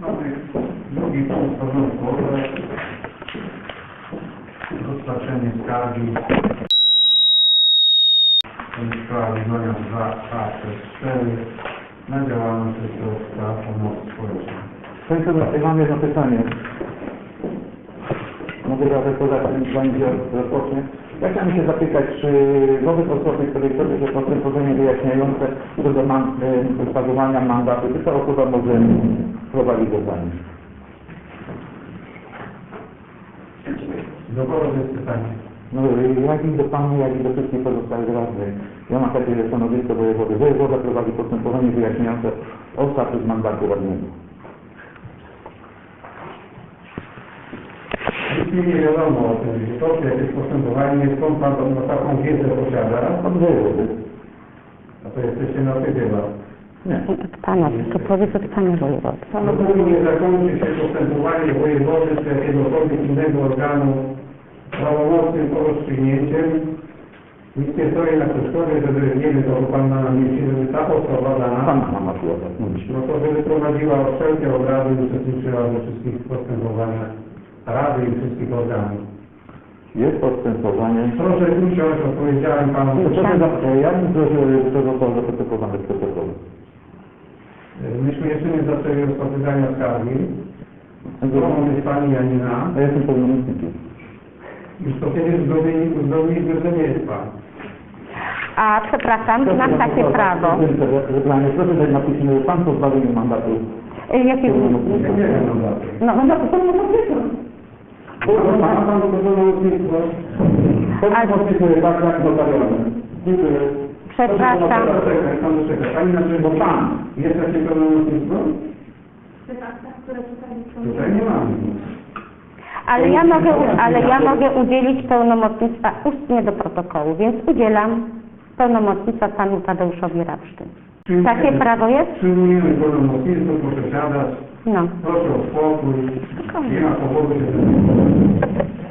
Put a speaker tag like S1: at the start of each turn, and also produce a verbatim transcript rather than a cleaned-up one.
S1: Mamy drugi punkt porządku, rozpatrzenie skargi w sprawie numer dwa A przez cztery na działalność Ośrodka Pomocy Społecznej.
S2: Panie Przewodniczący, mam jedno pytanie. Mogę zadać to zanim będzie rozpocznie. Ja chciałem się zapytać, czy wobec osoby, której toczy się postępowanie wyjaśniające co do man, y, sprawowania mandatu, czy ta osoba może prowadzić zadanie?
S1: Do kogo jest pytanie?
S2: No, jak i do Panu, jak i do wszystkich pozostałych radnych. Ja mam takie stanowisko wojewody. Wojewoda prowadzi postępowanie wyjaśniające o status mandatu radnego.
S1: Nic mi nie wiadomo o tym, że to jakieś postępowanie, skąd Pan tą taką wiedzę posiada?
S2: Od wojewody.
S1: A to jesteście na ty chyba.
S2: Nie.
S3: Od Pana, to powiedz od Pana wojewody.
S1: No póki nie zakończy się postępowanie wojewody czy jakiegokolwiek innego organu prawomocnym rozstrzygnięciem, nic nie stoi na przeszkodzie, żeby, nie wiem, to Pan ma na myśli, żeby ta osoba dana,
S2: Pan ma słowa.
S1: no to żeby prowadziła wszelkie obrady, uczestniczyła we wszystkich postępowaniach Rady i wszystkich organów.
S2: Jest postępowanie.
S1: Proszę usiąść, odpowiedziałem Panu.
S2: Proszę zapytać, ja bym prosił, żeby to zostało zaprotokowane w protokole.
S1: Myśmy jeszcze nie zaczęli rozpatrywania skargi. Drogą jest Pani Janina.
S2: A ja jestem pełnomocnikiem.
S1: Już to kiedyś uzgodniliśmy, że nie jest Pan.
S3: A przepraszam, mam takie prawo.
S2: Proszę dać na piśmie, że Pan pozbawił mnie mandatu.
S3: Y, Jakiego?
S1: Ja nie wiem mandatu.
S3: No,
S2: Mandatu pełnomocnika. Ma Pan to pełnomocnictwo? Podpisuję tak, jak notarialne. Dziękuję.
S3: Przepraszam.
S1: Pan czekaj, Pan czekaj. Pani znaczy, bo Pan jest takie pełnomocnictwo? Tutaj nie mamy.
S3: Ale ja mogę, u- ale ja mogę udzielić pełnomocnictwa ustnie do protokołu, więc udzielam pełnomocnictwa Panu Tadeuszowi Rawsztyn. Takie prawo jest?
S1: Przyjmujemy pełnomocnictwo, proszę siadać.
S3: No.
S1: Proszę o spokój. Nie ma powodu się